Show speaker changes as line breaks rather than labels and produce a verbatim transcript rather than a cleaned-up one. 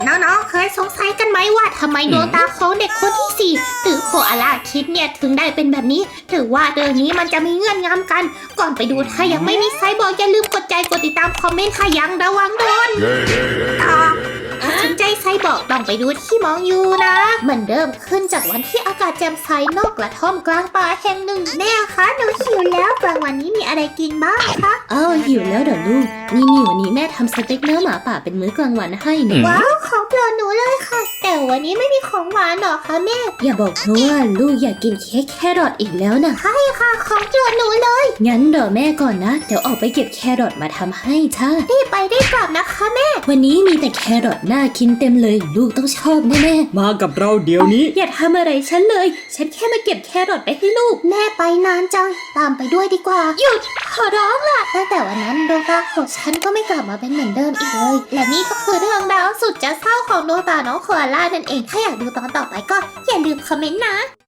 น้องๆเคยสงสัยกันไหมว่าทำไมดวงตาของเด็กคนที่สี่หรือโคอาลาคิดเนี่ยถึงได้เป็นแบบนี้หรือว่าเรื่องนี้มันจะมีเงื่อนงำกัน ก่อนไปดูถ้ายังไม่มีไซบอร์กอย่าลืมกดใจกดติดตามคอมเมนต์ค่ะยังระวังโดนต่อถ้าสนใจไซบอร์กต้องไปดูที่มองอยู่นะเหมือนเดิมขึ้นจากวันที่อากาศแจ่มใสนอกกระท่อมกลางป่าแห่งหนึ่งแม่คะหนูหิวแล้วกลางวันนี้มีอะไรกินบ้างคะ
อ้าวหิวแล้วเดี๋ยวลูกนี่นี่วันนี้แม่ทำสเต็กเนื้อหมาป่าเป็นมื้อกลางวันให้หนู
ว้าวของโปรดหนูเลยค่ะแต่วันนี้ไม่มีของหวานหรอคะแม่
อย่าบอกเพราะว่าลูกอยากกินเค้กแครอทอีกแล้วนะ
ใช่ค่ะของโปรดหนูเลย
งั้นเดี๋ยวแม่ก่อนนะเดี๋ยวออกไปเก็บแครอทมาทำให้จ้า
รีบไปได้กลับนะคะแม่
วันนี้มีแต่แครอทน่ากินเต็มเลยลูกต้องชอบแน่
ๆมากับเราเดี๋ยวนี้
อย่าทำอะไรฉันเลยฉันแค่มาเก็บแครอทไปให้ลูก
แม่ไปนานจังตามไปด้วยดีกว่าหยุดขอร้องล่ะตั้งแต่วันนั้นดวงตาของฉันก็ไม่กลับมาเป็นเหมือนเดิมอีกเลยและนี่ก็คือเรื่องราวสุดจะเศร้าของดวงตาน้องโคอาล่านั่นเองถ้าอยากดูตอนต่อไปก็อย่าลืมคอมเมนต์นะ